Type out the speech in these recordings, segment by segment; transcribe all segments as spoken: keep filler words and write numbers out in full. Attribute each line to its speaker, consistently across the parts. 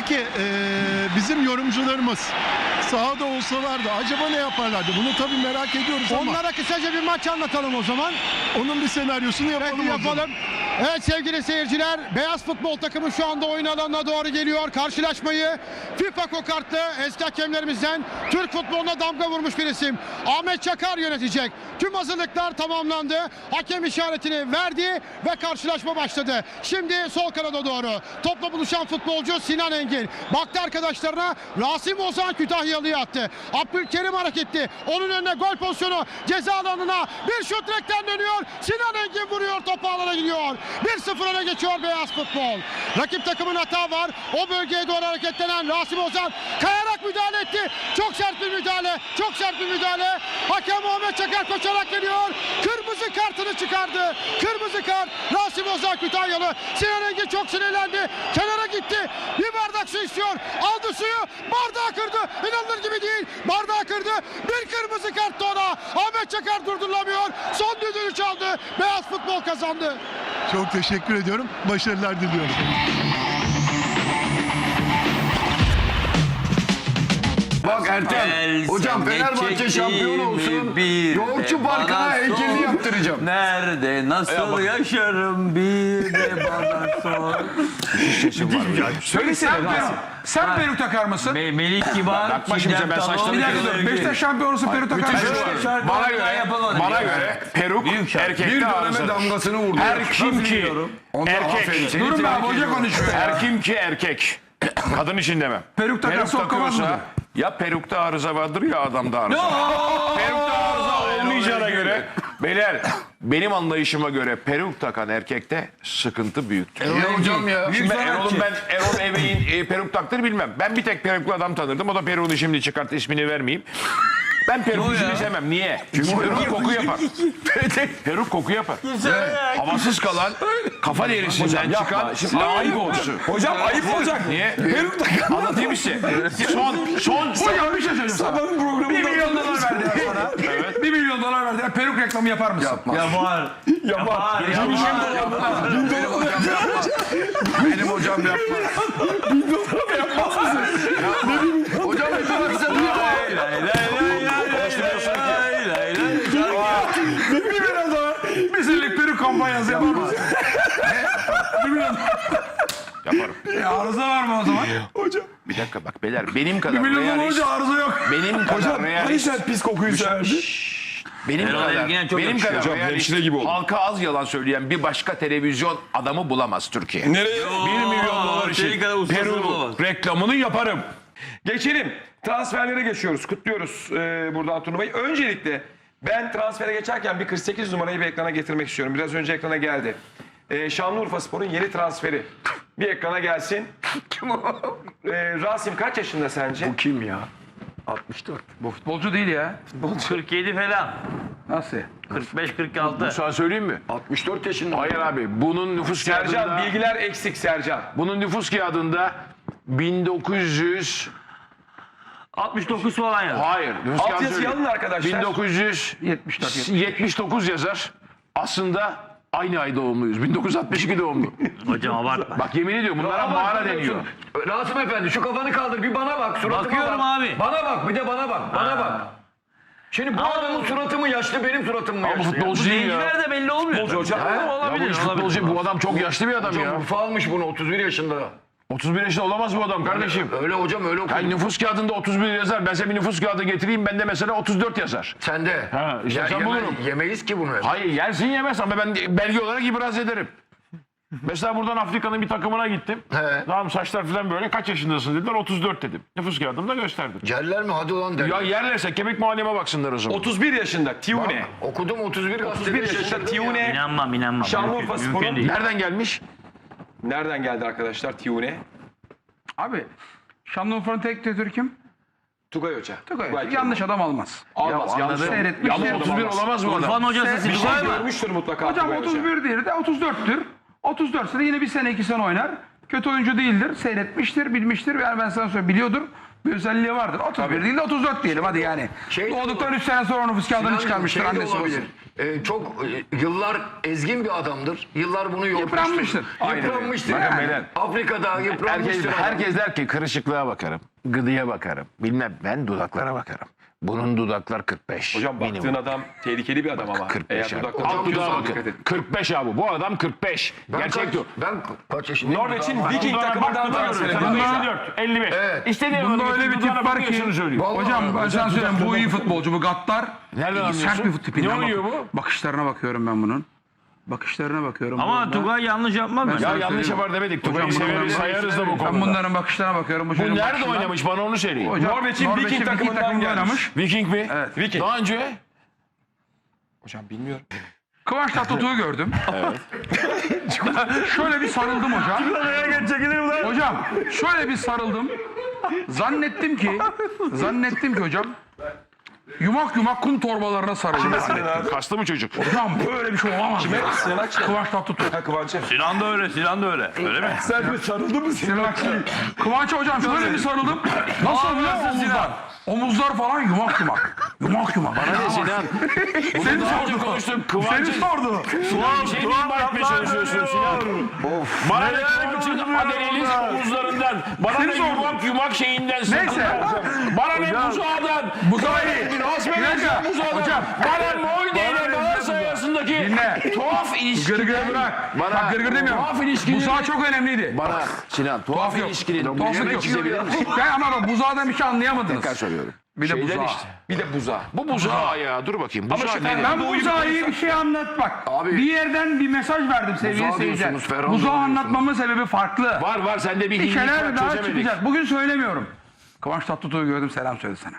Speaker 1: Peki e, bizim yorumcularımız sahada olsalardı acaba ne yaparlardı? Bunu tabii merak ediyoruz ama
Speaker 2: Onlara kısaca bir maç anlatalım o zaman.
Speaker 1: onun bir senaryosunu yapalım.
Speaker 2: Peki
Speaker 1: o zaman.
Speaker 2: yapalım. Evet sevgili seyirciler, beyaz futbol takımı şu anda oyun alanına doğru geliyor. Karşılaşmayı FIFA kokartlı eski hakemlerimizden Türk futboluna damga vurmuş bir isim Ahmet Çakar yönetecek. Tüm hazırlıklar tamamlandı. Hakem işaretini verdi ve karşılaşma başladı. Şimdi sol kanada doğru topla buluşan futbolcu Sinan Engin. Baktı arkadaşlarına, Rasim Ozan Kütahyalı'yı attı. Abdülkerim hareketli. Onun önüne gol pozisyonu, ceza alanına bir şut direkten dönüyor. Sinan Engin vuruyor, topu alana gidiyor. bir sıfır öne geçiyor beyaz futbol. Rakip takımın hata var. O bölgeye doğru hareketlenen Rasim Ozan kayarak müdahale etti. Çok sert bir müdahale. Çok sert bir müdahale. Hakem Ahmet Çakar koşarak geliyor. Kırmızı kartını çıkardı. Kırmızı kart. Rasim Ozan Kütahyalı. Sinan Engin çok sinirlendi. Kenara gitti. Bir bardak su istiyor. Aldı suyu. Bardağı kırdı. İnanılır gibi değil. Bardağı kırdı. Bir kırmızı kart da ona. Ahmet Çakar durdurulamıyor. Son düdüğünü çaldı. Beyaz futbol kazandı.
Speaker 1: Çok teşekkür ediyorum. Başarılar diliyorum.
Speaker 3: Bak Ertem, hocam Fenerbahçe şampiyon olsun, Yoğurtçu Parkı'na heykelini yaptıracağım.
Speaker 4: Nerede, nasıl yaşarım bir de bana sor.
Speaker 5: Söylesene Rasim. Sen peruk takar mısın?
Speaker 4: Me Melik Kibar,
Speaker 3: Bakma şimdi ben saçlarımı
Speaker 5: Bir dakika dur. Beşiktaş şampiyon olsun peruk takar mısın?
Speaker 3: Bana göre, bana göre peruk erkekte
Speaker 5: Bir döneme
Speaker 3: arızadır.
Speaker 5: damgasını vurdu.
Speaker 3: Her kim ki erkek,
Speaker 5: Durun be abi, hoca konuşuyor ya.
Speaker 3: her kim ki erkek, kadın için demem.
Speaker 5: Peruk takarsa okkamaz mı?
Speaker 3: Ya perukta arıza vardır ya adamda arıza. Perukta arıza olmayacağına göre, beyler benim anlayışıma göre peruk takan erkekte sıkıntı büyüktür.
Speaker 5: Ya hocam ya.
Speaker 3: Şimdi ben Erol'un ben Erol Evey'in e, peruk taktığını bilmem. Ben bir tek peruklu adam tanırdım. O da peruğunu şimdi çıkart, ismini vermeyeyim. Ben peruk işini sevmem. Niye? Çünkü peruk koku yapar. Peruk koku yapar. Havasız kalan kafa derisinden çıkan laik kokusu.
Speaker 5: Hocam ayıp olacak.
Speaker 3: Niye? Peruk takan. Anlatayım size. Son, son,
Speaker 5: Hocam bir şey söyleyeyim sana. Bir milyon dolar verdiler sana. Evet. Bir milyon dolar verdiler. Peruk reklamı yapar mısın? Yapmaz.
Speaker 4: Yapar.
Speaker 5: Yapar.
Speaker 3: benim hocam yapmaz.
Speaker 5: Hocam yaparsa niye? Bir milyon dolar. Bir senelik peruk kampanyası yapar mısın? Bir milyon
Speaker 3: Yaparım.
Speaker 5: E, arıza var mı o zaman? Hocam.
Speaker 3: Bir dakika bak beyler benim
Speaker 5: Bir
Speaker 3: kadar
Speaker 5: milyon dolar
Speaker 3: realist.
Speaker 5: olunca arıza yok.
Speaker 3: Benim kadar realist.
Speaker 5: sen pis kokuyu severdin?
Speaker 3: Benim
Speaker 4: Erol
Speaker 3: kadar,
Speaker 4: Evgen'e çok
Speaker 3: benim
Speaker 4: yakışıyor.
Speaker 3: kadar
Speaker 4: Hocam,
Speaker 3: realist,
Speaker 5: gibi oldu.
Speaker 3: halka az yalan söyleyen bir başka televizyon adamı bulamaz Türkiye.
Speaker 5: Nereye?
Speaker 3: Bir milyon dolar
Speaker 4: senin
Speaker 3: için
Speaker 4: kadar ustasını
Speaker 3: Peru
Speaker 4: bulamaz.
Speaker 3: reklamını yaparım.
Speaker 6: Geçelim. Transferlere geçiyoruz. Kutluyoruz e, buradan turnuvayı. Öncelikle ben transfere geçerken bir kırk sekiz numarayı bir ekrana getirmek istiyorum. Biraz önce ekrana geldi. E, Şanlıurfaspor'un yeni transferi. Bir ekrana gelsin. Kim o? E, Rasim kaç yaşında sence? Bu
Speaker 5: Kim ya? altmış dört. Bu futbolcu değil ya.
Speaker 4: kırk yedi falan.
Speaker 5: Nasıl?
Speaker 4: kırk beş kırk altı.
Speaker 3: Sana söyleyeyim mi?
Speaker 5: altmış dört yaşında.
Speaker 3: Hayır abi bunun nüfus
Speaker 6: Sercan
Speaker 3: kağıdında,
Speaker 6: bilgiler eksik Sercan.
Speaker 3: bunun nüfus kağıdında bin dokuz yüz
Speaker 4: altmış dokuz falan yazdı.
Speaker 3: hayır nüfus
Speaker 6: Alt
Speaker 3: kağıdı
Speaker 6: yazıyı
Speaker 3: söyleyeyim.
Speaker 6: alın arkadaşlar.
Speaker 3: bin dokuz yüz
Speaker 5: yetmiş dört.
Speaker 3: yetmiş dokuz yazar. Aslında aynı ay doğumluyuz. bin dokuz yüz altmış iki doğumlu.
Speaker 4: Hocam abartma.
Speaker 3: Bak yemin ediyorum bunlara mağara deniyor.
Speaker 7: Rasim Efendi şu kafanı kaldır bir bana bak suratıma
Speaker 4: Bakıyorum
Speaker 7: bak.
Speaker 4: abi.
Speaker 7: Bana bak bir de bana bak bana bak. Şimdi bu adamın suratı mı yaşlı benim suratım mı
Speaker 3: Ama
Speaker 7: yaşlı? ya?
Speaker 3: futbolcu değil ya.
Speaker 4: Zenciler de belli olmuyor.
Speaker 6: Futbolcu hocam.
Speaker 4: Ha,
Speaker 3: Ya bu
Speaker 4: olabilir,
Speaker 3: iş
Speaker 4: olabilir.
Speaker 3: futbolcu, bu adam çok yaşlı bir adam
Speaker 7: Hocam
Speaker 3: ya.
Speaker 7: Urfa almış bunu otuz bir yaşında.
Speaker 3: otuz bir yaşında olamaz bu adam kardeşim.
Speaker 7: Öyle hocam öyle okudum.
Speaker 3: Yani nüfus kağıdında otuz bir yazar. Ben size bir nüfus kağıdı getireyim. Bende mesela otuz dört yazar.
Speaker 7: Sen de.
Speaker 3: Ha, işte
Speaker 7: Ya,
Speaker 3: sen
Speaker 7: yeme-
Speaker 3: bulurum.
Speaker 7: Yemeyiz ki bunu.
Speaker 3: Hayır yersin yemez ama ben belge olarak ibraz ederim. Mesela buradan Afrika'nın bir takımına gittim.
Speaker 7: He.
Speaker 3: Tamam saçlar falan böyle. Kaç yaşındasın dediler. otuz dört dedim. Nüfus kağıdımda gösterdim.
Speaker 7: Celler mi hadi ulan der.
Speaker 3: Ya yerlerse kemik muayeneme baksınlar o zaman.
Speaker 6: otuz bir yaşında Tiune.
Speaker 7: Okudum otuz bir
Speaker 6: otuz bir yaşında Tiune.
Speaker 4: İnanmam inanmam.
Speaker 6: Şanlıurfa
Speaker 4: Mümkün-
Speaker 6: Spor'un-
Speaker 4: mümkün değil.
Speaker 3: Nereden gelmiş?
Speaker 6: Nereden geldi arkadaşlar Tiune?
Speaker 5: Abi Şanlıurfa'nın tek direktörü kim?
Speaker 6: Tugay Hoca.
Speaker 5: Tugay.
Speaker 6: Tugay
Speaker 5: Yanlış adam almaz.
Speaker 6: Almaz. Yanlış.
Speaker 5: Seyretmiş.
Speaker 3: Ama otuz bir olamaz mı adam?
Speaker 4: Urfa'nın hocası
Speaker 6: Bir şey
Speaker 4: Tugay mı?
Speaker 6: görmüştür mutlaka
Speaker 5: Hocam
Speaker 6: Tugay Hoca.
Speaker 5: otuz bir değil de otuz dörttür. otuz dört sene yine bir sene iki sene oynar. kötü oyuncu değildir. Seyretmiştir, bilmiştir. Yani ben sana söyleyeyim, biliyordur. Bir özelliği vardır. otuz bir değil de otuz dört diyelim hadi yani.
Speaker 7: Şey de
Speaker 5: Doğduktan
Speaker 7: olur.
Speaker 5: üç sene sonra nüfus kağıdını
Speaker 7: Sinan,
Speaker 5: çıkarmıştır
Speaker 7: şey de
Speaker 5: annesi
Speaker 7: olabilir.
Speaker 5: babası.
Speaker 7: Ee, çok e, yıllar ezgin bir adamdır. Yıllar bunu
Speaker 5: Yıpranmıştır.
Speaker 7: yormuştur. Yıpranmıştır.
Speaker 3: Bakın
Speaker 7: Yani.
Speaker 3: beyler.
Speaker 7: Afrika'da
Speaker 3: Herkes,
Speaker 7: yıpranmıştır. adam.
Speaker 3: herkes der ki kırışıklığa bakarım, gıdıya bakarım. Bilmem, ben dudaklara bakarım. Bunun dudaklar kırk beş.
Speaker 6: Hocam baktığın
Speaker 3: minimum.
Speaker 6: adam tehlikeli bir adam ama.
Speaker 3: kırk beş
Speaker 6: Eğer
Speaker 3: abi.
Speaker 6: dudakları
Speaker 3: Alt dudağa
Speaker 6: tutuyorsan
Speaker 3: bakın.
Speaker 6: dikkat et.
Speaker 3: kırk beş abi. Bu adam kırk beş.
Speaker 7: Ben
Speaker 3: Gerçek
Speaker 7: kaç,
Speaker 3: diyor.
Speaker 7: ben kaç yaşındayım?
Speaker 6: Norveç'in
Speaker 7: Daha-
Speaker 6: Viking takımından transfer edildi.
Speaker 3: elli beş.
Speaker 7: Evet.
Speaker 3: İstediğin
Speaker 5: Bunda öyle bir tip var ki.
Speaker 7: Vallahi
Speaker 5: Hocam ben sana söyleyeyim, bu iyi futbolcu, bu Gattar.
Speaker 3: Nereden
Speaker 5: İyi,
Speaker 3: anlıyorsun?
Speaker 5: sert bir fut tipinden.
Speaker 3: Ne oynuyor
Speaker 5: bak-
Speaker 3: bu?
Speaker 5: Bakışlarına bakıyorum ben bunun. Bakışlarına bakıyorum.
Speaker 4: Ama
Speaker 5: Burada.
Speaker 4: Tugay yanlış yapmaz mı?
Speaker 3: Ya
Speaker 5: sana
Speaker 3: yanlış
Speaker 5: söyleyeyim.
Speaker 3: yapar demedik.
Speaker 5: Hocam
Speaker 3: Tugay'ı
Speaker 5: bunların
Speaker 3: severiz,
Speaker 5: bakış-
Speaker 3: sayarız da bu
Speaker 5: Ben
Speaker 3: konuda.
Speaker 5: bunların bakışlarına bakıyorum.
Speaker 3: Bu
Speaker 5: çocuğun
Speaker 3: nerede
Speaker 5: bakışından-
Speaker 3: oynamış bana onu söyleyin.
Speaker 5: Hocam,
Speaker 6: Norveç'in Viking
Speaker 5: Viking
Speaker 6: takımından
Speaker 5: takımında
Speaker 6: gelmiş.
Speaker 5: oynamış.
Speaker 3: Viking mi?
Speaker 5: Evet.
Speaker 6: Viking.
Speaker 3: Daha önce?
Speaker 6: Hocam bilmiyorum.
Speaker 5: Kıvanç Tatlıtuğ'u gördüm. şöyle bir sarıldım hocam. Hocam şöyle bir sarıldım. Zannettim ki, zannettim ki hocam yumak yumak kum torbalarına sarıldım.
Speaker 3: Kaslı mı çocuk?
Speaker 5: Hocam böyle bir şey olamaz ya.
Speaker 6: Sinan Akçay.
Speaker 5: Kıvanç Tatlıtuğ.
Speaker 6: Ha Kıvanç'e.
Speaker 4: Sinan da öyle, Sinan da öyle. Öyle mi?
Speaker 6: Sen bir sarıldı mı Sinan Akçay?
Speaker 5: Kıvanç'a hocam şöyle bir sarıldım. Nasıl biliyor musun omuzlar? Omuzlar falan yumak yumak. Yumak yumak. Bana
Speaker 3: Ne Sinan?
Speaker 5: Seni
Speaker 3: Daha önce
Speaker 5: sordu.
Speaker 3: konuştum.
Speaker 5: Seni
Speaker 3: Kıvanç'ın
Speaker 5: sordu.
Speaker 3: bir şey mi ima etmeye çalışıyorsun Sinan? Bana ne Kıvanç'ın Adeleliz omuzlarından, bana
Speaker 5: Seni
Speaker 3: ne
Speaker 5: sordum.
Speaker 3: yumak yumak şeyinden,
Speaker 5: Neyse.
Speaker 3: sırtından, bana ne buzağdan,
Speaker 5: Buzağı.
Speaker 3: Hasbelazı buzağdan,
Speaker 5: Hocam.
Speaker 3: bana Molde ile Galatasaray arasındaki
Speaker 5: Dinle.
Speaker 3: tuhaf ilişkiden,
Speaker 5: Gırgır bırak.
Speaker 3: Bana
Speaker 5: Bak gırgır demiyorum.
Speaker 3: tuhaf ilişkiden,
Speaker 5: Buzağı çok önemliydi.
Speaker 3: bana Sinan tuhaf
Speaker 5: Tuhaf yok.
Speaker 3: ilişkinin
Speaker 5: Tuhaflık yok.
Speaker 3: çizebilir misin?
Speaker 5: Ben ama bak buzağdan bir şey anlayamadınız.
Speaker 3: Tekrar soruyorum.
Speaker 5: Bir de
Speaker 3: Şeyden
Speaker 5: buzağı.
Speaker 3: işte.
Speaker 6: Bir de buza.
Speaker 3: Bu buzağı ya dur bakayım. Buzağı
Speaker 6: şu-
Speaker 3: nedir?
Speaker 5: Ben buzağı bir şey anlat bak.
Speaker 7: Abi-
Speaker 5: bir yerden bir mesaj verdim sevgili
Speaker 7: Buzağı
Speaker 5: seyirciler.
Speaker 7: diyorsunuz, Ferhan
Speaker 5: Buzağı
Speaker 7: diyorsunuz.
Speaker 5: anlatmamın sebebi farklı.
Speaker 3: Var var sende bir
Speaker 5: Bir
Speaker 3: hinlik
Speaker 5: şeyler
Speaker 3: var
Speaker 5: daha
Speaker 3: çözemedik.
Speaker 5: çıkacak. Bugün söylemiyorum. Kıvanç Tatlıtuğ'u gördüm, selam söyledi sana.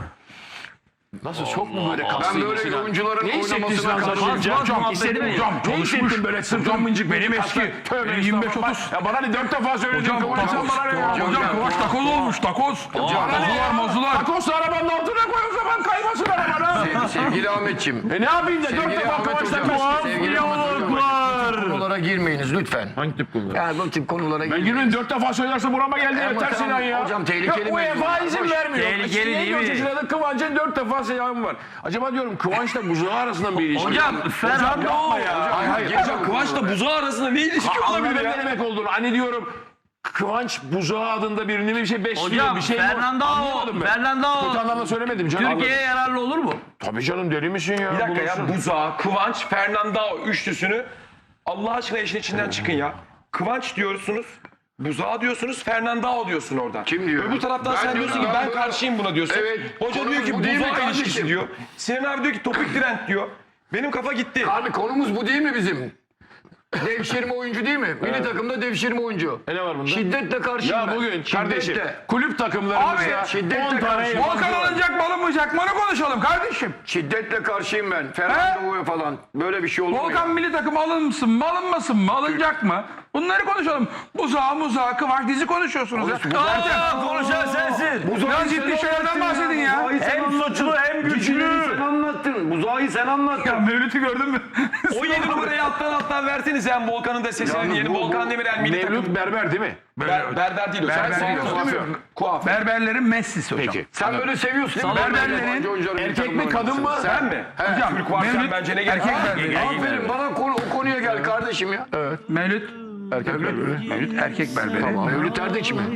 Speaker 3: Nasıl çok mu böyle
Speaker 7: Ben
Speaker 3: kaslıydı
Speaker 7: böyle
Speaker 3: Sinan?
Speaker 7: oyuncuların
Speaker 3: Ne hissettin
Speaker 7: oynamasına
Speaker 3: Sinan
Speaker 7: karşıyım.
Speaker 3: Hocam,
Speaker 5: Hocam,
Speaker 3: hissettin mi?
Speaker 5: hocam,
Speaker 3: Ne
Speaker 5: çalışmış.
Speaker 3: hissettin böyle sırtın
Speaker 5: Hocam,
Speaker 3: mıncık
Speaker 5: benim
Speaker 3: mıncık
Speaker 5: eski,
Speaker 3: kaslar? Tövbe
Speaker 5: benim yirmi beş
Speaker 3: estağfurullah.
Speaker 5: otuz.
Speaker 3: Ya bana ne dört defa söyledin
Speaker 5: Hocam,
Speaker 3: Kıvanç sen
Speaker 5: takoz.
Speaker 3: bana ne ya?
Speaker 5: Hocam Kıvanç takoz olmuş, takoz. Mazular, mazular.
Speaker 3: Takosla arabanın altına koy o zaman kaymasın arabana.
Speaker 7: Sevgili Ahmetciğim.
Speaker 3: E ne yapayım da dört
Speaker 7: Sevgili
Speaker 3: defa
Speaker 7: Ahmet
Speaker 3: Kıvanç'tan
Speaker 7: Hocam.
Speaker 3: ben
Speaker 7: Sevgili Ahmet Hocam. Bu tip konulara girmeyiniz lütfen.
Speaker 3: Hangi tip konular?
Speaker 7: Yani bu tip konulara
Speaker 3: Ben
Speaker 7: girmeyin.
Speaker 3: günün dört defa söylerse burama geldi
Speaker 7: Ama
Speaker 3: yeter
Speaker 7: tamam,
Speaker 3: Sinan ya.
Speaker 7: hocam, tehlikeli
Speaker 3: Ya UEFA
Speaker 7: mevzular.
Speaker 3: izin
Speaker 7: Hoş.
Speaker 3: vermiyor.
Speaker 4: Tehlikeli
Speaker 3: İşte
Speaker 4: değil
Speaker 3: yedi
Speaker 4: mi?
Speaker 3: otuz lirada Kıvanç'ın dört defa selamı var. Acaba diyorum Kıvanç'la buzağı arasında bir ilişki.
Speaker 4: Hocam Ferhan
Speaker 3: yapma ya. Hayır hayır.
Speaker 6: Hocam Kıvanç'la buzağı arasında ne ilişki olabilir
Speaker 3: Anladım
Speaker 6: ya?
Speaker 3: ne demek olduğunu. Hani diyorum Kıvanç buzağı adında birini bir şey besliyor.
Speaker 4: Hocam
Speaker 3: bir şey mi?
Speaker 4: Fernandao,
Speaker 3: Anlamadım ben.
Speaker 4: Fernandao
Speaker 3: Kötü anlamda söylemedim canım.
Speaker 4: Türkiye'ye yararlı olur mu?
Speaker 3: Tabii canım deli misin ya?
Speaker 6: Bir dakika ya
Speaker 3: Bulursun.
Speaker 6: buzağı, Kıvanç, Fernandao üçlüsünü Allah aşkına işin içinden çıkın ya. Kıvanç diyorsunuz, buzağı diyorsunuz, Fernandao diyorsun oradan.
Speaker 7: Kim diyor?
Speaker 6: Öbür taraftan
Speaker 7: Ben
Speaker 6: sen
Speaker 7: diyorum,
Speaker 6: diyorsun ki
Speaker 7: ben
Speaker 6: ben
Speaker 7: böyle-
Speaker 6: karşıyım buna diyorsun.
Speaker 7: Evet,
Speaker 6: Hoca
Speaker 7: konumuz
Speaker 6: diyor ki
Speaker 7: bu değil mi
Speaker 6: buzağı
Speaker 7: kardeşim?
Speaker 6: ilişkisi diyor. Sinan abi diyor ki topik trend diyor. Benim kafa gitti.
Speaker 7: Abi konumuz bu değil mi bizim? Devşirme oyuncu değil mi? Milli takımda devşirme oyuncu.
Speaker 3: E ne var bunda?
Speaker 7: Şiddetle karşıyım
Speaker 3: Ya
Speaker 7: ben.
Speaker 3: bugün kardeşim
Speaker 7: Şiddetle.
Speaker 3: kulüp takımlarımızda
Speaker 7: Abi, şiddetle
Speaker 3: on tane
Speaker 7: karşı-
Speaker 3: yabancı
Speaker 5: Volkan
Speaker 3: var.
Speaker 5: alınacak mı alınmayacak mı onu konuşalım kardeşim.
Speaker 7: Şiddetle karşıyım ben. Fernando'ya falan. Böyle bir şey olmuyor.
Speaker 5: Volkan milli takım alınsın mı alınmasın mı alınacak mı? Bunları konuşalım. Buzağı muzağı Kıvanç dizi konuşuyorsunuz ya.
Speaker 4: Aa, konuşan sensin.
Speaker 5: Biraz ciddi şeylerden bahsedin ya.
Speaker 4: Hem suçlu hem güçlü.
Speaker 7: Sen anlattın. Buzağı sen anlattın.
Speaker 5: Ya Mevlüt'ü gördün mü?
Speaker 6: O yedi numarayı alttan alttan verseniz hem Volkan'ın da sesini
Speaker 7: Yalnız
Speaker 6: yeni
Speaker 7: bu-
Speaker 6: Volkan
Speaker 7: bu-
Speaker 6: Demirel milli takım.
Speaker 3: Mevlüt Berber değil mi?
Speaker 6: Ber, berber değil o. Sen
Speaker 5: Berber değil,
Speaker 6: kuaför.
Speaker 3: kuaför.
Speaker 6: Kuaför.
Speaker 5: Berberlerin Messi'si hocam.
Speaker 3: Peki.
Speaker 7: Sen böyle seviyorsun değil mi?
Speaker 5: Berberlerin
Speaker 7: Yabancı oyuncuların milli
Speaker 3: Erkek mi
Speaker 7: takımlarını.
Speaker 3: kadın mı?
Speaker 6: Sen mi?
Speaker 5: Hocam
Speaker 6: Türk varken
Speaker 5: Mevlüt
Speaker 6: bence ne gerek
Speaker 5: erkek
Speaker 6: var?
Speaker 5: berberi.
Speaker 7: Aferin bana konu, o konuya gel kardeşim ya.
Speaker 5: Mevlüt
Speaker 3: Erkek berberi.
Speaker 5: Mevlüt erkek berberi.
Speaker 7: Mevlüt Erdinç mi?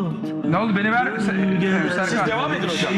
Speaker 5: Ne oldu beni ver Se- Serkan.
Speaker 6: Siz devam edin hocam.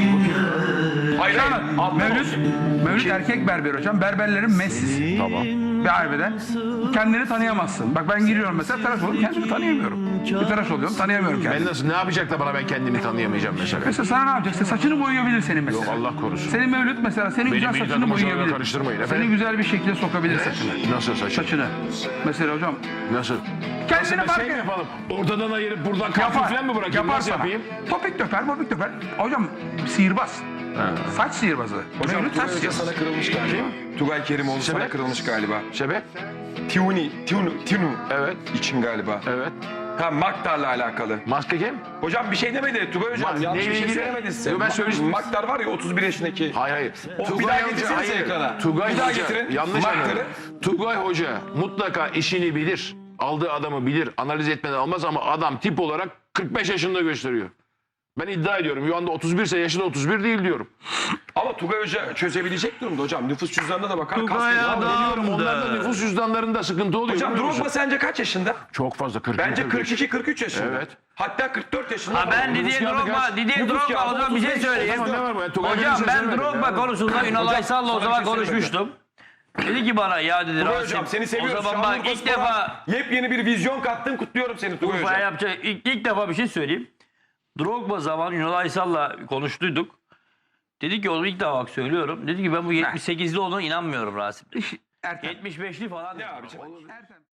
Speaker 6: Hayır hayır. Alttan
Speaker 5: Mevlüt,
Speaker 6: olsun.
Speaker 5: Mevlüt erkek berber hocam. Berberlerin Messi'si. Tamam. Bir harbiden. Kendini tanıyamazsın. Bak ben giriyorum mesela tıraş oluyorum. Kendimi tanıyamıyorum. Bir tıraş oluyorum tanıyamıyorum kendimi.
Speaker 3: Ben nasıl ne yapacak da bana ben kendimi tanıyamayacağım mesela.
Speaker 5: Mesela sana ne yapacaksın? Saçını boyayabilir senin mesela.
Speaker 3: Yok Allah korusun.
Speaker 5: Senin Mevlüt mesela senin güzel
Speaker 3: milli
Speaker 5: saçını
Speaker 3: takım hocalarına
Speaker 5: boyayabilir.
Speaker 3: karıştırmayın
Speaker 5: Seni
Speaker 3: efendim.
Speaker 5: güzel bir şekilde sokabilir saçını.
Speaker 3: Nasıl saçı?
Speaker 5: Saçını. Mesela hocam
Speaker 3: Nasıl?
Speaker 5: kendini
Speaker 3: Nasıl
Speaker 5: fark
Speaker 3: şey mi
Speaker 5: et.
Speaker 3: yapalım? Ortadan ayırıp buradan kalkıp falan mı bırakayım?
Speaker 5: Yapar
Speaker 3: Nasıl
Speaker 5: sana.
Speaker 3: yapayım?
Speaker 5: Topik döper, mopik döper. Hocam sihirbaz. Saç sihirbazı.
Speaker 6: Hocam
Speaker 5: Mevlüt saç
Speaker 6: Tugay Hoca
Speaker 5: sihirbazı.
Speaker 6: sana kırılmış galiba. Tugay Kerimoğlu sana
Speaker 3: Sebep?
Speaker 6: kırılmış galiba.
Speaker 3: Sebep?
Speaker 6: Tiuni, Tiunu, Tiunu
Speaker 3: Evet.
Speaker 6: için galiba.
Speaker 3: Evet.
Speaker 6: Ha Maktar'la alakalı.
Speaker 3: Maske kim?
Speaker 6: Hocam bir şey demedi Tugay Hocam.
Speaker 3: Ma-
Speaker 6: Yanlış
Speaker 3: neyle
Speaker 6: bir şey
Speaker 3: ilgili?
Speaker 6: söylemedi size.
Speaker 3: Yo, ben
Speaker 6: Ma-
Speaker 3: söylemiştim.
Speaker 6: Maktar var ya otuz bir yaşındaki.
Speaker 3: Hayır hayır.
Speaker 6: O, bir daha getirsenize ekrana.
Speaker 3: Tugay
Speaker 6: bir daha
Speaker 3: Hoca.
Speaker 6: getirin.
Speaker 3: Yanlış
Speaker 6: Maktar'ı.
Speaker 3: anladım. Tugay Hoca mutlaka işini bilir. aldığı adamı bilir, analiz etmeden almaz ama adam tip olarak kırk beş yaşında gösteriyor. Ben iddia ediyorum. Şu anda otuz bir ise yaşı da otuz bir değil diyorum.
Speaker 6: Ama Tugay Hoca çözebilecek durumda hocam. Nüfus cüzdanına da bakar.
Speaker 4: Tugay
Speaker 6: Kastetler.
Speaker 4: adam-
Speaker 3: Biliyorum onlarda nüfus cüzdanlarında sıkıntı oluyor.
Speaker 6: Hocam
Speaker 3: biliyor musun?
Speaker 6: Drogba sence kaç yaşında?
Speaker 3: Çok fazla kırk.
Speaker 6: Bence kırk iki kırk üç yaşında.
Speaker 3: Evet.
Speaker 6: Hatta kırk dört yaşında.
Speaker 4: Ha ben
Speaker 6: Nüfus
Speaker 4: Didier
Speaker 6: kağıdı
Speaker 4: Drogba,
Speaker 6: kaç?
Speaker 4: Didier
Speaker 6: Nüfus
Speaker 4: Drogba
Speaker 6: kağıdı
Speaker 4: o zaman bir şey
Speaker 6: otuz beş.
Speaker 4: söyleyeyim.
Speaker 3: Ama ne var bu? Tugay
Speaker 4: Hocam
Speaker 3: Hocam,
Speaker 4: ben Drogba konusunda Ünal Aysal'la o
Speaker 6: sana
Speaker 4: zaman
Speaker 6: bir şey
Speaker 4: konuşmuştum. Dedi ki bana ya dedi
Speaker 6: Tugay
Speaker 4: Rasim.
Speaker 6: hocam seni seviyoruz.
Speaker 4: O zaman bak
Speaker 6: Şanlıurfa
Speaker 4: ilk
Speaker 6: Spor'a
Speaker 4: defa
Speaker 6: yepyeni bir vizyon kattın. Kutluyorum seni Tugay
Speaker 4: Urfa'ya
Speaker 6: hocam.
Speaker 4: yapacak ilk, ilk defa bir şey söyleyeyim. Drogba zaman Ünal Aysal'la konuştuyduk. Dedi ki onu ilk defa bak söylüyorum. Dedi ki ben bu yetmiş sekizli olduğuna inanmıyorum Rasim. yetmiş beşli falan.
Speaker 6: Ne abiciğim?